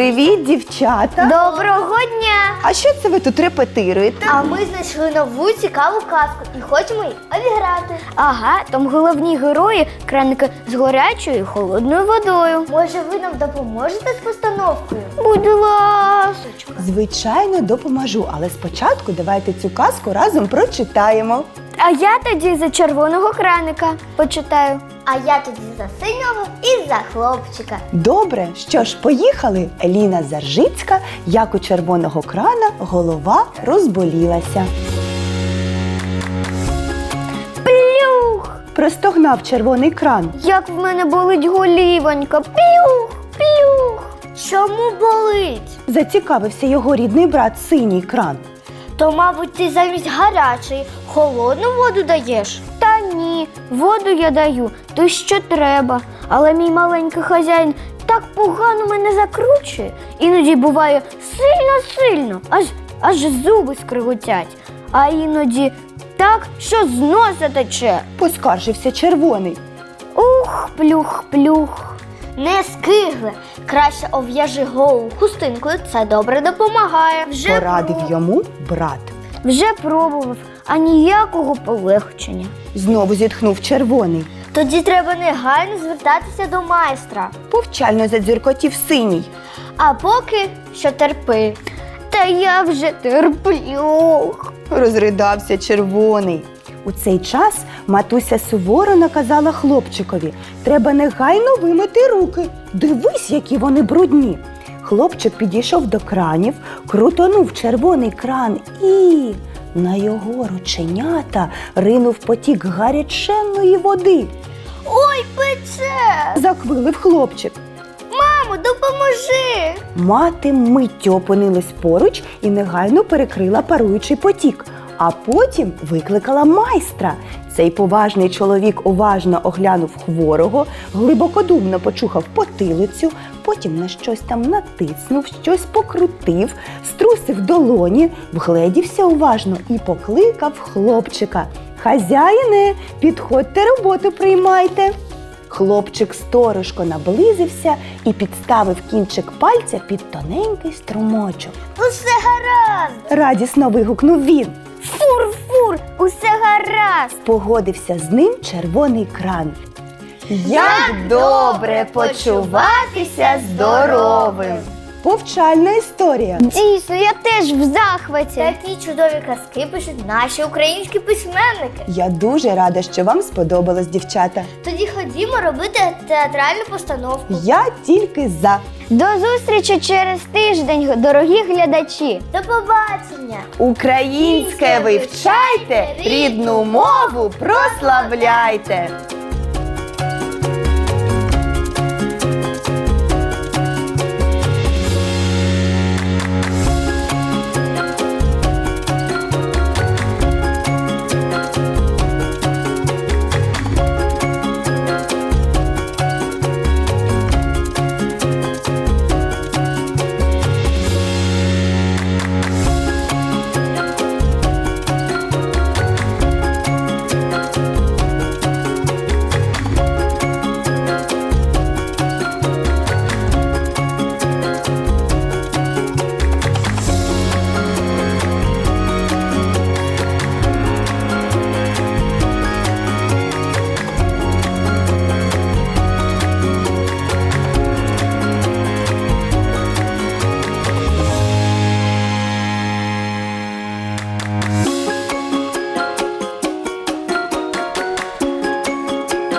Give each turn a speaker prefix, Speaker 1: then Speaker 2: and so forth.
Speaker 1: Привіт, дівчата!
Speaker 2: Доброго дня!
Speaker 1: А що це ви тут репетируєте?
Speaker 2: А ми знайшли нову цікаву казку і хочемо її обіграти. Ага, там головні герої – краники з гарячою і холодною водою. Може, ви нам допоможете з постановкою? Будь ласочка.
Speaker 1: Звичайно, допоможу, але спочатку давайте цю казку разом прочитаємо.
Speaker 2: А я тоді за червоного краника почитаю. А я тоді за синього і за хлопчика.
Speaker 1: Добре, що ж, поїхали. Еліна Заржицька, як у червоного крана, голова розболілася.
Speaker 2: Плюх!
Speaker 1: Простогнав червоний кран.
Speaker 2: Як в мене болить голівонька. Плюх! Плюх! Чому болить?
Speaker 1: Зацікавився його рідний брат синій кран.
Speaker 2: То, мабуть, ти замість гарячої холодну воду даєш? Та ні, воду я даю, то що треба. Але мій маленький хазяїн так погано мене закручує. Іноді буває сильно-сильно, аж зуби скриготять. А іноді так, що з носа тече.
Speaker 1: Поскаржився червоний.
Speaker 2: Ух, плюх-плюх. Не скигле, краще ов'яжи голову хустинкою, це добре допомагає.
Speaker 1: Порадив йому брат.
Speaker 2: Вже пробував, а ніякого полегшення.
Speaker 1: Знову зітхнув червоний.
Speaker 2: Тоді треба негайно звертатися до майстра.
Speaker 1: Повчально задзюркотів синій.
Speaker 2: А поки що терпи. Та я вже терплю.
Speaker 1: Розридався червоний. У цей час матуся суворо наказала хлопчикові: треба негайно вимити руки. Дивись, які вони брудні. Хлопчик підійшов до кранів, крутонув червоний кран і на його рученята ринув потік гаряченної води.
Speaker 2: Ой, пече!
Speaker 1: Заквилив хлопчик.
Speaker 2: Мамо, допоможи!
Speaker 1: Мати миттю опинилась поруч і негайно перекрила паруючий потік. А потім викликала майстра. Цей поважний чоловік уважно оглянув хворого, глибокодумно почухав потилицю, потім на щось там натиснув, щось покрутив, струсив долоні, вгледівся уважно і покликав хлопчика. «Хазяїне, підходьте, роботу приймайте!» Хлопчик сторожко наблизився і підставив кінчик пальця під тоненький струмочок.
Speaker 2: Усе гаразд!
Speaker 1: Радісно вигукнув він.
Speaker 2: Фур-фур, усе гаразд!
Speaker 1: Погодився з ним червоний кран. Як добре почуватися здоровим! Повчальна історія.
Speaker 2: Дійсно, я теж в захваті. Такі чудові казки пишуть наші українські письменники.
Speaker 1: Я дуже рада, що вам сподобалось, дівчата.
Speaker 2: Тоді ходімо робити театральну постановку.
Speaker 1: Я тільки за.
Speaker 2: До зустрічі через тиждень, дорогі глядачі. До побачення.
Speaker 1: Українське вивчайте, рідну мову прославляйте.